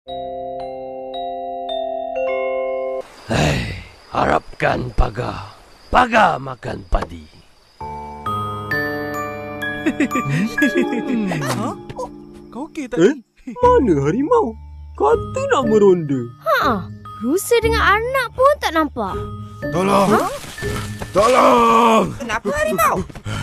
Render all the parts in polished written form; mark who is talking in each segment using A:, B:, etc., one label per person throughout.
A: Harapkan paga. Paga makan padi.
B: Kau okey tak?
C: Mana harimau? Kata nak meronda.
D: Rusa dengan anak pun tak nampak.
E: Tolong! Tolong!
F: Kenapa harimau?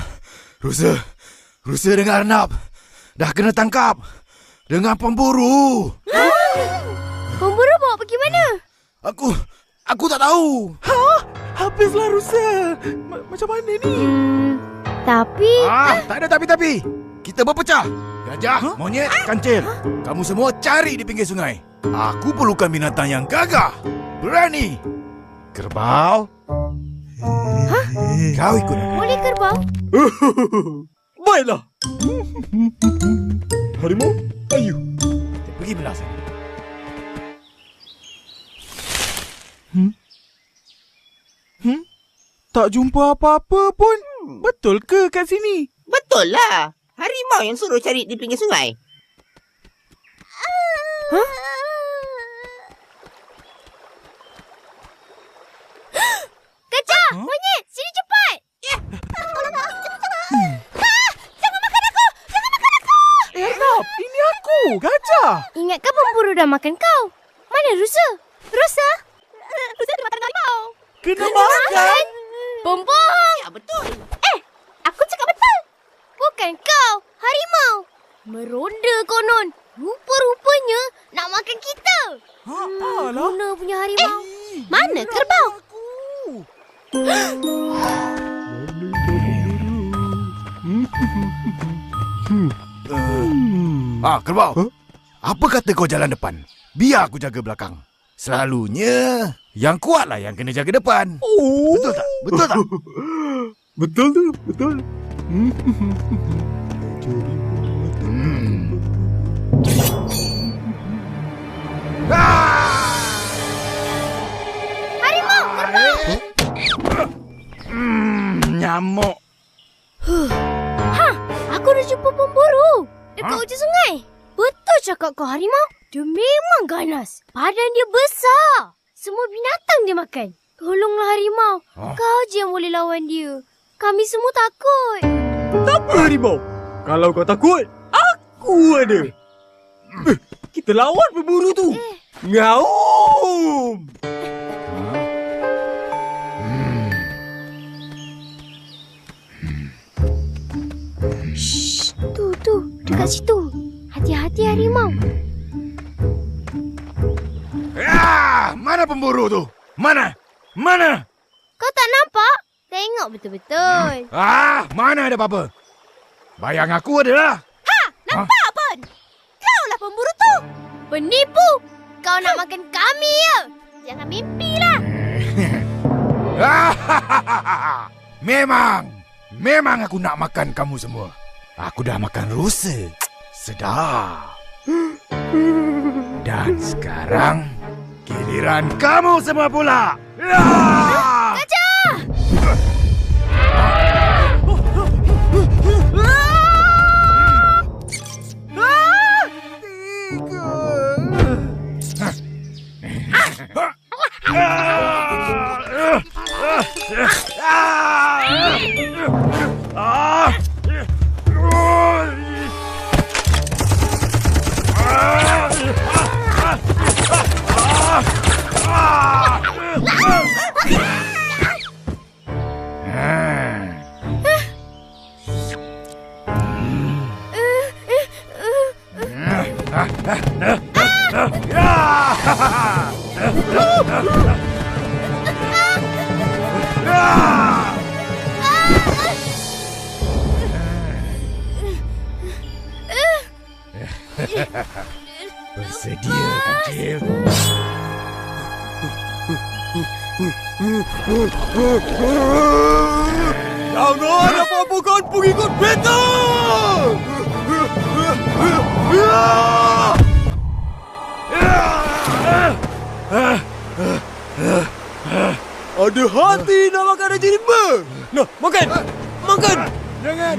E: Rusa dengan Arnab dah kena tangkap dengan pemburu.
D: Pemburu bawa pergi mana?
E: Aku tak tahu.
B: Habislah rusa. Macam mana ni?
D: Tapi...
E: Tak ada tapi-tapi. Kita berpecah. Gajah, monyet, kancil. Kamu semua cari di pinggir sungai. Aku perlukan binatang yang gagah, berani. Kerbau. Kau ikut aku.
D: Boleh kerbau?
C: Baiklah. Harimau, ayo.
E: Kita pergi belah sana.
B: Tak jumpa apa-apa pun. Betul ke kat sini?
F: Betul lah. Harimau yang suruh cari di pinggir sungai.
D: Gajah! Monyet! Sini cepat!
B: Arnab, ini aku, gajah.
D: Ingatkan pemburu dah makan kau? Mana rusa? Rusa? Rusa dah makan harimau.
B: Kena makan.
D: Pembohong!
F: Ya, betul.
D: Aku cakap betul. Bukan kau, harimau. Meronda konon. Rupa-rupanya nak makan kita.
B: Alah.
D: Mana punya harimau? Mana kerbau?
E: Kerbau. Apa kata kau jalan depan? Biar aku jaga belakang. Selalunya yang kuatlah yang kena jaga depan. Betul tak? Betul tak?
C: Betul tu, betul.
D: Harimau, kerbau!
E: Nyamuk.
D: Aku dah jumpa pemburu dekat ujung sungai. Betul cakap kau, harimau. Dia memang ganas. Badan dia besar. Semua binatang dia makan. Tolonglah harimau. Kau je yang boleh lawan dia. Kami semua takut.
C: Tak apa harimau. Kalau kau takut, aku ada. Kita lawan pemburu tu. Ngaum.
D: Shh, tu, dekat situ. Hati-hati harimau.
E: Mana pemburu tu? Mana?
D: Kau tak nampak? Tengok betul-betul.
E: Mana ada apa-apa? Bayang aku adalah.
D: Nampak pun. Kaulah pemburu tu. Penipu. Kau nak makan kami ya? Jangan mimpilah.
E: Memang aku nak makan kamu semua. Aku dah makan rusa. Sedap. Dan sekarang giliran kamu semua pula.
D: Gajah!
E: Bersedia, kancil.
C: Jangan apa-apa kau pengikut beta! Ada hati nak makan Haji Rimba. Nah, makan! Makan!
E: Jangan!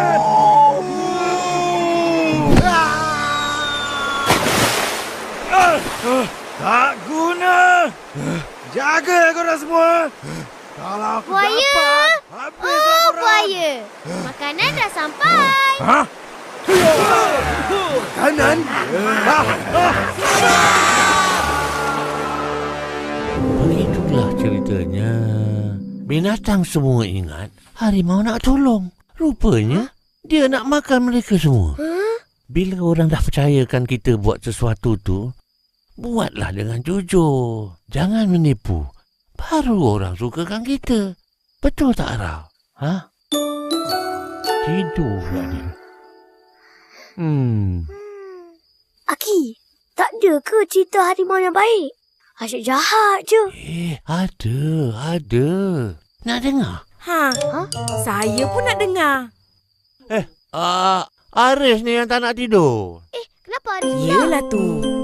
C: Ngau!
E: Tak guna. Jaga korang semua. Kalau aku
D: Buaya.
E: dapat, habis
D: Oh,
E: korang.
D: buaya. Makanan dah sampai.
E: Ha? Makanan?
A: Begitulah ceritanya. Binatang semua ingat harimau nak tolong. Rupanya dia nak makan mereka semua. Bila orang dah percayakan kita buat sesuatu tu, buatlah dengan jujur. Jangan menipu. Baru orang sukakan kita. Betul tak, Ara? Ha? Tidur pula dia.
D: Aki, tak ada ke cerita harimau yang baik? Asyik jahat je.
A: Ada. Nak dengar?
G: Saya pun nak dengar.
A: Aris ni yang tak nak tidur.
D: Kenapa Arifia?
G: Yelah tu.